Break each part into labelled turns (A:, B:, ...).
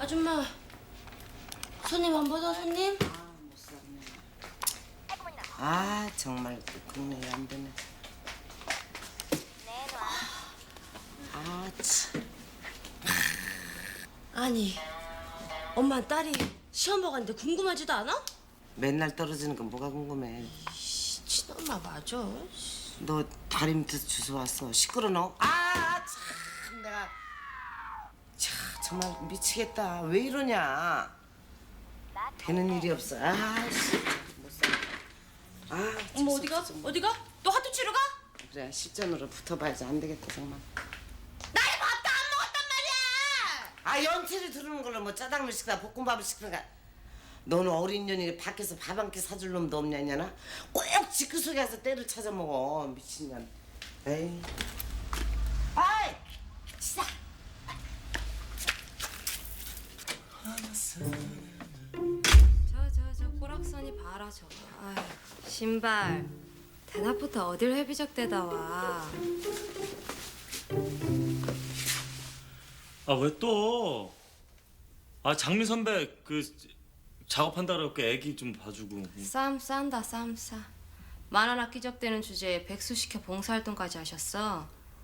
A: 아줌마, 손님 안 받아, 손님?
B: 못 살네. 아 정말 국내에 안 되네. 아 참.
A: 아니, 엄마 딸이 시험 보고 갔는데 궁금하지도 않아?
B: 맨날 떨어지는 건 뭐가 궁금해.
A: 친엄마 맞아.
B: 너 다리 밑에서 주워 왔어. 시끄러 너. 아 참 내가 참 정말 미치겠다. 왜 이러냐. 되는 일이 없어. 아씨 못 살아. 아
A: 엄마 어디가? 어디가? 또 하도 치러 가?
B: 그래 실전으로 붙어봐야지. 안 되겠다 정말.
A: 나이 밥도 안 먹었단 말이야!
B: 아 연체를 두르는 걸로 뭐 짜장면 시키나 볶음밥을 시키는가. 너는 어린 년이 밖에서 밥 한 끼 사줄 놈도 없냐 이냐나. 꼭 지그 속에 가서 때를 찾아 먹어. 미친년. 에이. 아이 진짜.
C: 저 꼬락선이 봐라 저거. 아휴, 신발 대낮부터 어딜 회비적대다 와.
D: 아 왜 또? 아 장미 선배 그 작업한다 그래갖고 애기 좀 봐주고.
C: 쌈 싼다 쌈 싸. 만원 아끼적대는 주제에 백수시켜 봉사활동까지 하셨어.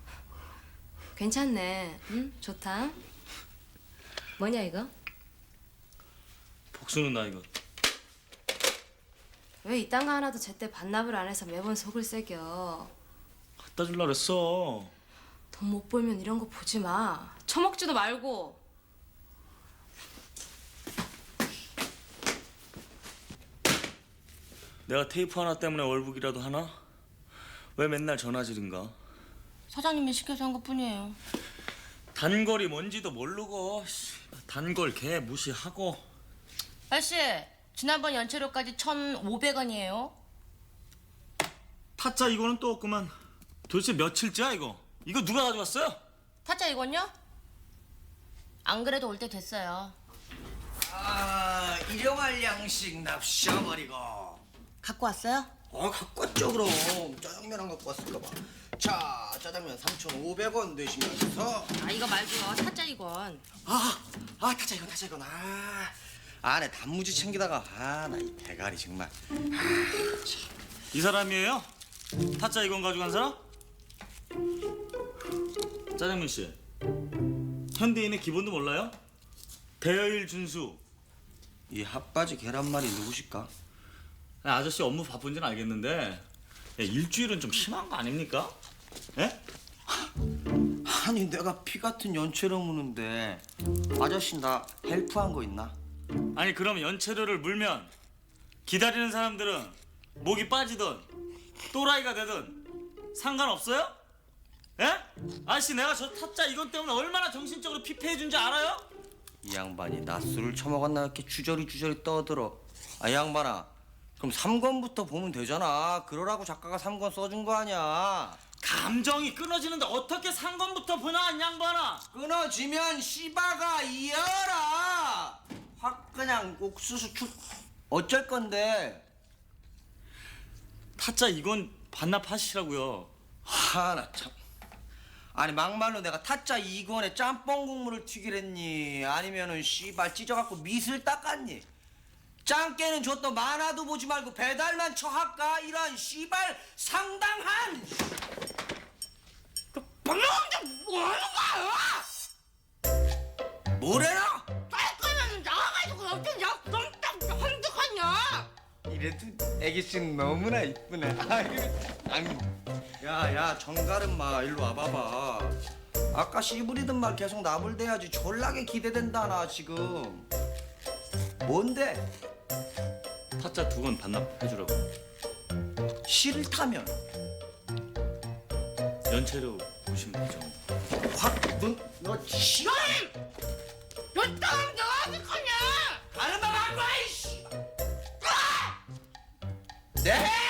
C: 괜찮네. 응? 좋다. 뭐냐 이거?
D: 복수는 나 이거.
C: 왜 이딴 거 하나도 제때 반납을 안 해서 매번 속을 새겨.
D: 갖다 줄라 그랬어.
C: 돈 못 벌면 이런 거 보지 마. 처먹지도 말고.
D: 내가 테이프 하나 때문에 월북이라도 하나? 왜 맨날 전화질인가?
A: 사장님이 시켜서 한 것뿐이에요.
D: 단골이 뭔지도 모르고 단골 개 무시하고.
A: 아저씨, 지난번 연체료까지 1,500원이에요.
D: 타짜 이거는 또 없구만. 도대체 며칠째야 이거? 이거 누가 가져갔어요?
A: 타짜 이건요? 안 그래도 올 때 됐어요.
E: 아, 일용할 양식 납셔버리고.
A: 갖고 왔어요?
E: 갖고 왔죠 그럼. 짜장면 안 갖고 왔을까 봐. 자, 짜장면 3,500원 되시면서.
A: 아 이거 말고요. 타짜 이건.
E: 타짜 이건. 안에 단무지 챙기다가 나 이 대가리 정말.
D: 이 사람이에요? 타짜 이건 가져간 사람? 짜장면 씨, 현대인의 기본도 몰라요? 대여일 준수.
E: 이 핫바지 계란말이 누구실까?
D: 아저씨 업무 바쁜지는 알겠는데 일주일은 좀 심한 거 아닙니까? 예?
E: 아니 내가 피 같은 연체료 무는데 아저씨 나 헬프한 거 있나?
D: 아니 그럼 연체료를 물면 기다리는 사람들은 목이 빠지든 또라이가 되든 상관없어요? 예? 아저씨 내가 저 타짜 이것 때문에 얼마나 정신적으로 피폐해 준 줄 알아요?
E: 이 양반이 낮술을 처먹었나 이렇게 주저리 떠들어. 이 양반아, 그럼 3권부터 보면 되잖아. 그러라고 작가가 3권 써준 거 아니야.
D: 감정이 끊어지는데 어떻게 상관부터 보나 이 양반아.
E: 끊어지면 씨바가 이어라. 확 그냥 옥수수 축. 어쩔 건데.
D: 타짜 이건 반납하시라고요.
E: 나 참. 아니 막말로 내가 타짜 2권에 짬뽕 국물을 튀기랬니? 아니면은 씨발 찢어갖고 밑을 닦았니? 짱깨는 줬더 만화도 보지 말고 배달만 쳐할까? 이런 씨발 상당한.
A: 방금 뭐하는 거야?
E: 뭐래라?
A: 딸 거면 나와가지고 어떤 약속딱 한득하냐?
E: 이래도 애기씨는 너무나 이쁘네. 야야 정가름마 일로 와봐봐. 아까 씨부리던 말 계속 나불대야지. 졸라게 기대된다 나 지금. 뭔데?
D: 타짜 2권 반납해주라고.
E: 싫다면
D: 연체료 보시면 되죠.
E: 확너 싫어?
A: 너 땅 내가 어디 거냐?
E: 가는 방 안 가, 이씨! 네!